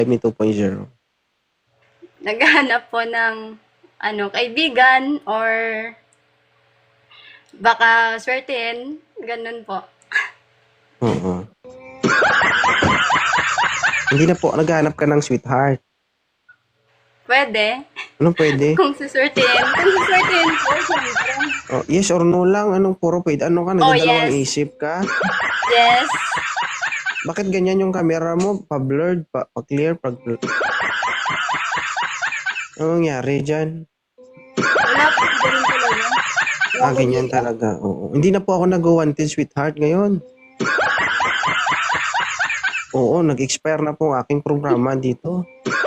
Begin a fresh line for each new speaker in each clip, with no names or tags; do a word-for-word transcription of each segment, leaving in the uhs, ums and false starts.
Me two point oh.
Naghahanap po ng ano, kaibigan or baka swertein, ganun po.
Oo. Hindi na po naghahanap ka ng sweetheart.
Pwede.
Anong pwede?
Kung suswertein. Kung suswertein po, syempre.
Oh, yes or no lang. Anong puro pwede? Ano ka?
Oh,
Nagdadalawang
yes.
isip ka?
Yes.
Bakit ganyan yung camera mo? Pa-blurred, pa- pa-clear, pa-blurred. Anong nangyari dyan?
Wala po, ganun talaga.
Ah, ganyan talaga. Oo. Hindi na po ako nag-wanted sweetheart ngayon. Oo, nag-expire na po ang aking programa dito.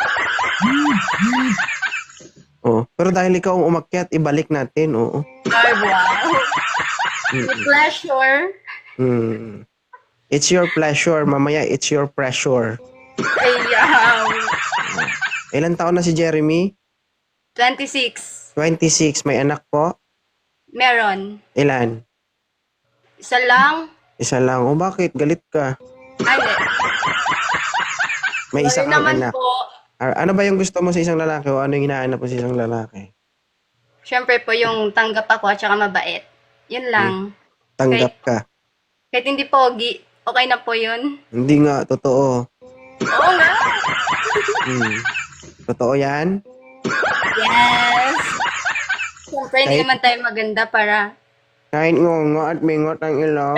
Oo. Pero dahil ikaw ang umakyat, ibalik natin. Oo.
Ay, wow.
Mm.
With pleasure.
Hmm. It's your pleasure. Mamaya, it's your pressure.
Ayaw.
Ilan taon na si Jeremy?
twenty-six.
twenty-six. May anak po?
Meron.
Ilan?
Isa lang.
Isa lang. O bakit? Galit ka.
Ay, hindi.
May isa
Sorry
kang
naman
anak.
po.
Ah, ano ba yung gusto mo sa isang lalaki o ano yung hinahanap mo sa isang lalaki?
Siyempre po yung tanggap ako at saka mabait. Yun lang.
Tanggap ka.
Kahit hindi pogi, okay na po yun.
Hindi nga. Totoo.
Oo nga.
Hmm. Totoo yan?
Yes. Siyempre, hindi
Kahit-
naman tayo maganda para...
Kahit ngongo at mingot ang ilong.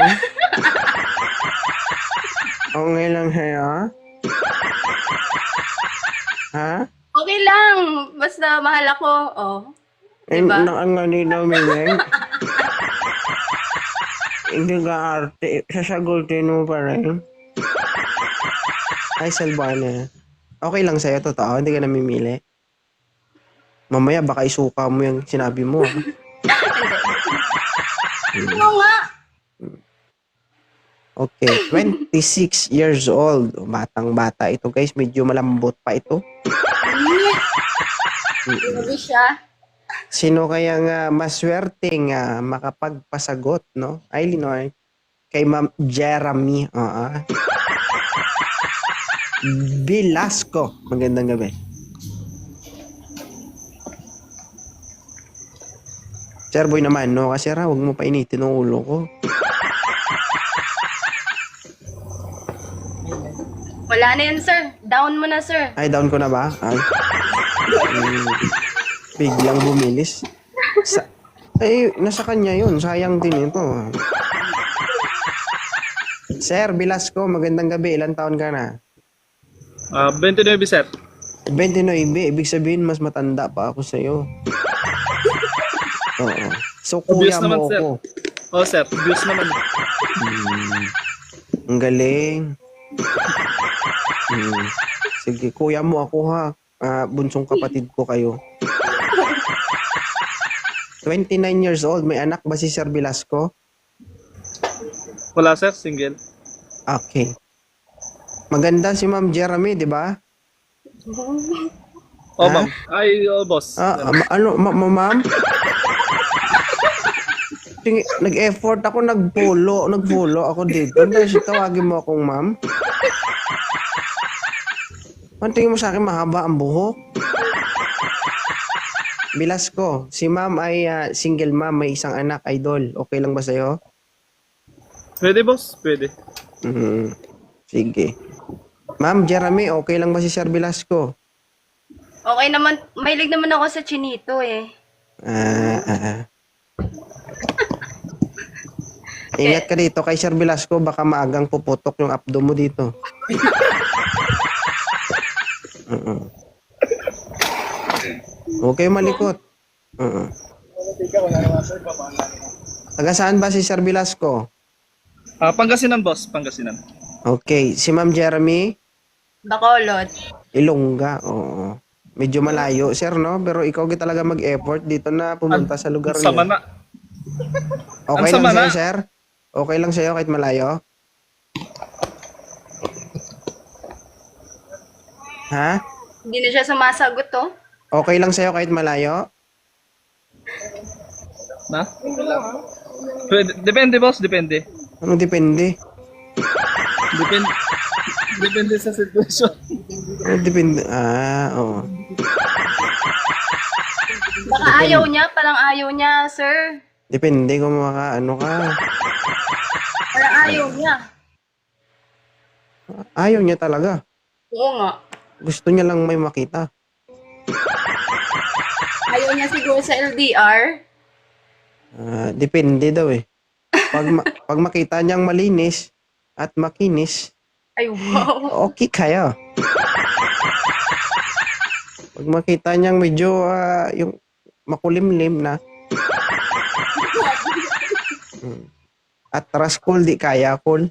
Okay lang sa'yo? Ha?
Okay lang. Basta mahal ako. Oh.
Eh,
Diba?
Naan nga dito, Mimeng. Hindi ka arte. Sasagutin mo pa rin. Ay, Salvana. Okay lang sa'yo, totoo. Hindi ka namimili. Mamaya, baka isuka mo yung sinabi mo. ah.
Oo nga.
Okay, twenty-six years old. Batang bata ito, guys. Medyo malambot pa ito.
Hindi siya.
Sino kaya nga maswerteng uh, makapagpasagot, no? Ay, Linoy. Kay Ma'am Jeremy. Oo. Velasco. Magandang gabi. Sir Boy naman, no? Kasi ra, huwag mo pa initin ang ulo ko.
Wala na yun, sir. Down mo na, sir.
Ay, down ko na ba? Ay. Mm, biglang bumilis. Sa, ay, nasa kanya yun. Sayang din ito. Sir Velasco, magandang gabi. Ilan taon ka na?
Ah, twenty-nine, sir.
twenty-nine. Ibig sabihin, mas matanda pa ako sa'yo. Oo. So, kuya
Obvious naman,
mo
sir.
ako.
Oh, sir. Views naman.
Hmm. Ang galing. Hmm. Sige, kuya mo ako ha. Ah, bunsong kapatid ko kayo. twenty-nine years old. May anak ba si Sir Velasco?
Wala, sir. Single.
Okay. Maganda si Ma'am Jeremy, di ba?
Oh,
Ha?
ma'am. Ay, oh, boss.
Ah, ah, ma- ano, ma- ma- ma'am? Tingi- Nag-effort ako, nag-follow, nag-follow ako dito. Dahil tawagin mo akong ma'am. Ang tingin mo sa akin, mahaba ang buhok. Velasco, si ma'am ay ah, single ma'am, may isang anak, idol. Okay lang ba sa'yo?
Pwede, boss? Pwede.
Mhm. Sige. Ma'am Jeremy, okay lang ba si Sir Velasco?
Okay naman. Mahilig naman ako sa chinito eh.
Ah, ah, ah. Ingat ka dito kay Sir Velasco, baka maagang puputok yung abdo mo dito. Uh-uh. Okay, malikot. Uh-uh. Taga saan ba si Sir Velasco?
Ah, Pangasinan, boss. Pangasinan.
Okay, si Ma'am Jeremy,
Bacolod.
Ilongga. Oo. Medyo malayo, sir, no? Pero ikaw gi talaga mag-effort dito na pumunta sa lugar
Sama
niyo.
na.
Okay
Ang
lang
sama
sa'yo,
na.
sir? Okay lang sa'yo kahit malayo? Ha?
Hindi na siya sumasagot oh.
Okay lang sa'yo kahit malayo?
Na? Pwede. Depende, boss. Depende.
Ano depende?
Depende. Depende sa sitwasyon.
Eh, depende. Ah, oo.
Baka ayaw niya, parang ayaw niya, sir.
Depende kung maka, ano ka.
Parang ayaw niya.
Ayaw niya talaga.
Oo nga.
Gusto niya lang may makita.
Ayaw niya siguro sa L D R.
Ah, depende daw eh. Pag, ma- pag makita niyang malinis at makinis,
Ay, wow.
okay kayo. Pag makita niyang medyo ah, yung makulimlim na, hmm, at raskol di kaya, kol.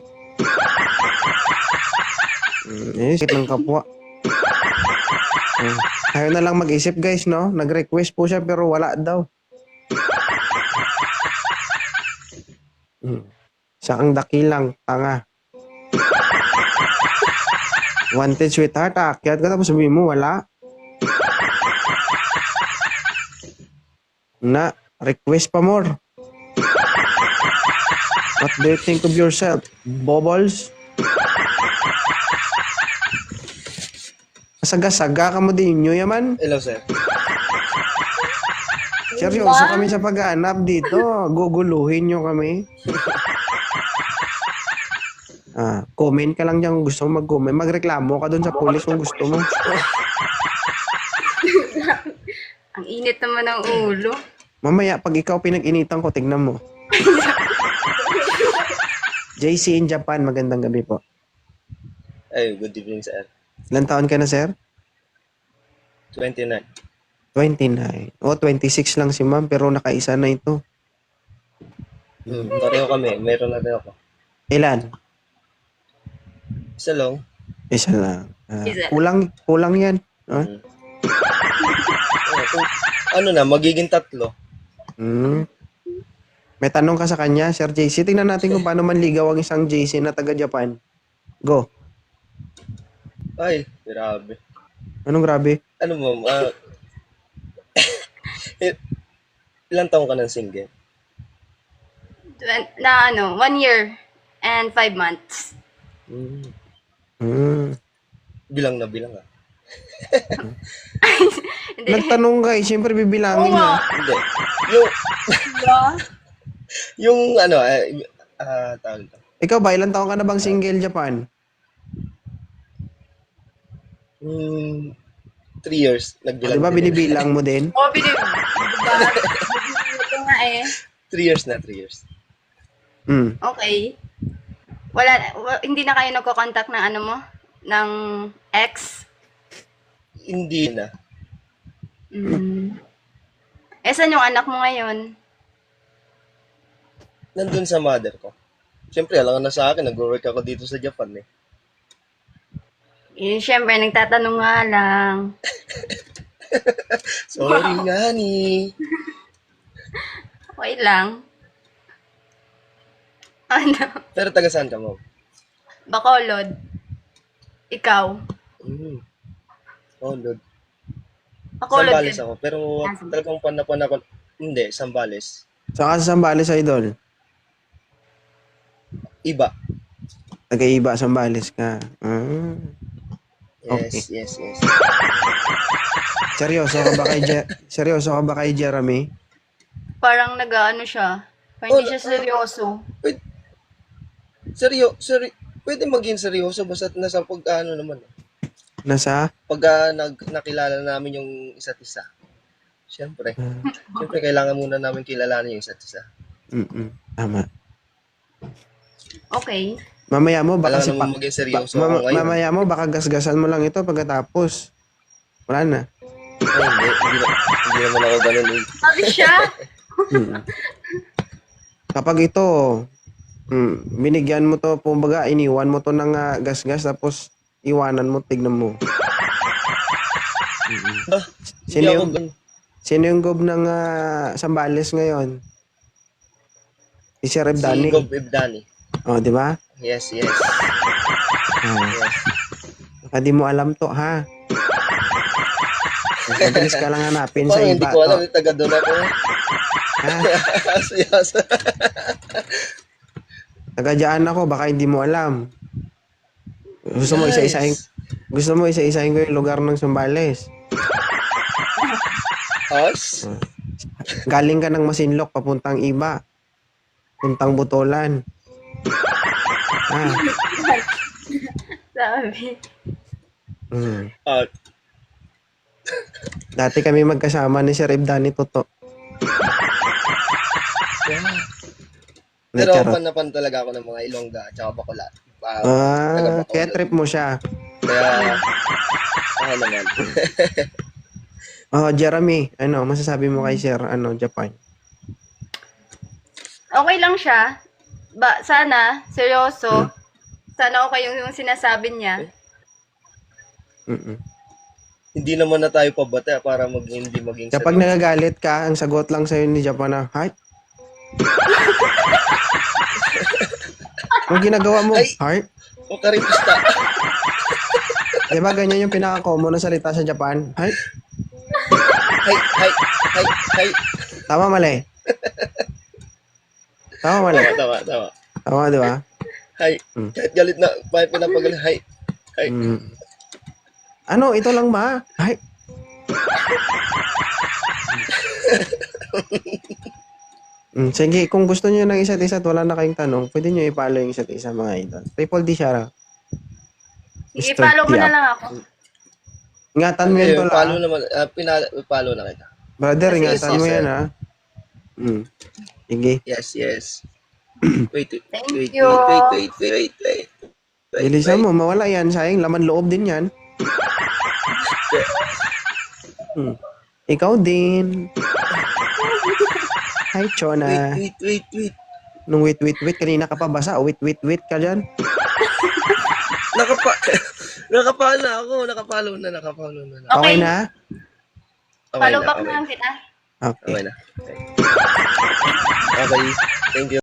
Hmm, eh, sakit ng kapwa. Hmm. Ayaw na lang mag-isip, guys, no? Nag-request po siya pero wala daw. Hmm. Sakang dakilang, tanga. Wanted sweetheart, aakyat ka tapos sabihin mo, wala. Na, request pa more. What do you think of yourself? Bobbles? Saga-saga ka mo din nyo yaman.
Hello, sir.
Seryoso kami sa paghahanap dito. Guguluhin nyo kami. Ah, comment ka lang dyan kung gusto mo mag-comment. Magreklamo ka dun sa pulis kung gusto mo.
Ang init naman ng ulo.
Mamaya, pag ikaw pinag-initan ko, tignan mo. J C in Japan, magandang gabi po.
Ay, good evening, sir.
Ilan taon ka na, sir?
twenty-nine.
twenty-nine. O, twenty-six lang si ma'am, pero nakaisa na ito.
Hmm, pareho kami. Meron na rin ako.
Ilan?
Isa lang.
Isa lang. Ah,
Isa.
kulang, kulang yan. Ah?
Hmm. Oh, kung- ano na, magiging tatlo.
Hmm. May tanong ka sa kanya, Sir J C. Tingnan natin kung paano manligaw ang isang J C na taga-Japan. Go.
Ay, grabe.
Anong grabe?
Ano mo, ah... il- ilang taong ka ng single?
Twen- Na ano, one year and five months.
Hmm.
Hmm.
Bilang na bilang, ah.
Hindi.
Nagtanong ka eh, siyempre bibilangin
Oo nga.
na.
Hindi. Yung,
Diba?
yung ano, eh, ah, tawag ito.
Ikaw ba, ilang taon ka na bang single Japan?
Hmm, three years.
O,
Nagbilang
di ba
din.
binibilang mo din?
Oo, binib. Diba? Ito nga eh.
Three years na, three years.
Hmm.
Okay. Wala, wa- hindi na kayo nagko-contact ng ano mo? Ng ex?
Hindi na.
Mm. Eh, saan yung anak mo ngayon?
Nandun sa mother ko. Siyempre, alam ka na sa akin, nag-work ako dito sa Japan, eh.
Eh, syempre, nagtatanong nga lang.
Sorry nga ni.
Okay lang. Ano?
Pero taga saan ka, ma'am?
Bacolod. Ikaw.
Mm. Oh, Lord.
Bacolod
Sambales
din.
ako. Pero
Ah, Sambales.
talagang panapan ako. Hindi, Sambales.
Saka sa Sambales, idol.
Iba.
Nag-iiba Sambales ka. Ah.
Yes, yes, yes.
Seryoso ka ba kay Je- Seryoso ka ba kay Jeremy?
Parang nag-ano siya. Parang hindi siya seryoso.
Pwede, seryo, seri, pwede maging seryoso basta nasa pag ano naman. eh.
Nasa?
Pag ah, nag, nakilala namin yung isa't isa. Siyempre. Siyempre, kailangan muna namin kilalanin yung isa't isa.
Mm-mm. Tama.
Okay.
Mamaya mo baka
Kailangan
si pa-
naman maging seryoso
ba-
ako
mama-
ngayon.
mamaya mo baka gasgasan mo lang ito pagkatapos. Wala na.
Ay, hindi, hindi, na- hindi naman ako ganun. eh.
Sabi siya.
Mm. Kapag ito, mm, binigyan mo to, kumbaga, iniwan mo to ng ah, gasgas, tapos iwanan mo, tignan mo. Mm-mm.
Ah,
Sino
hindi ako
yung,
ganun.
sino yung gob ng ah, Sambales ngayon? Si Sir
Si
Ebdani.
Gob Ibdani.
Oh, di ba?
Yes, yes.
Oh,
Yes.
baka di mo alam to, ha? Mabilis ka lang hanapin sa
Parang
iba
hindi ko alam,
to.
yung taga doon ako.
Ha?
Yes.
Taga dyan ako, baka hindi mo alam. Gusto mo isa-isahin, gusto mo isa-isahin ko yung lugar ng Sambales.
Us?
Galing ka ng Masinloc, papuntang Iba. Puntang Butolan. Ah.
Sabi.
Mm.
Uh,
Dati kami magkasama ni Sir Ibdani Toto.
pero
Charot.
pan na pan talaga ako ng mga Ilongga at saka Bacolod. Uh,
Ah, kaya trip mo siya.
Kaya, ako naman.
Oh, Jeremy, ano, masasabi mo kay Sir, ano, Japan?
Okay lang siya. Ba, sana, seryoso. Sana okay yung, yung sinasabi niya.
Mm-mm.
Hindi naman na tayo pabata para mag hindi maging
Kapag nagagalit ka, ang sagot lang sa'yo ni Japan na, heart? Ang ginagawa mo,
Ay!
heart?
O karipista.
Di ba ganyan yung pinaka-common na salita sa Japan? Heart?
Hay, hay, hay, hay.
Tama, mali. Tama, mali.
Tama, tama, tama.
Tama, di ba?
Hay.
Hmm.
Kahit galit na, kahit pinapagalit, hay. Hay.
Mm. Ano, ito lang ba? Heart? Mm, sige, kung gusto niyo ng isa't isa at wala na kayong tanong, pwede niyo i-follow yung isa't isa, mga idol. Triple D siya raw.
Sige,
Mister
follow mo na
Tiap.
lang ako.
Ingatan mo yan,
Eh,
tol,
follow
ah.
naman, uh, pinala, follow na kita.
Brother,
Sige,
ingatan
sige,
mo
sir.
yan, ha. Mm. Sige.
Yes, yes. Wait, wait,
Thank
wait,
you.
wait, wait, wait, wait, wait. Wait,
Bilisan
wait.
mo, mawala yan. Sayang, laman loob din yan. Hmm. Ikaw din. Hi,
Wait,
Chona.
wait, wait, wait.
Nung wait, wait, wait, kanina ka pa basa. Wait, wait, wait ka dyan.
Nakapa, nakapalo na ako, nakapalo na, nakapalo na.
Okay.
Okay na?
Okay
Follow
na,
back
okay
na lang kita.
Okay.
Okay na. Okay. Okay, thank you.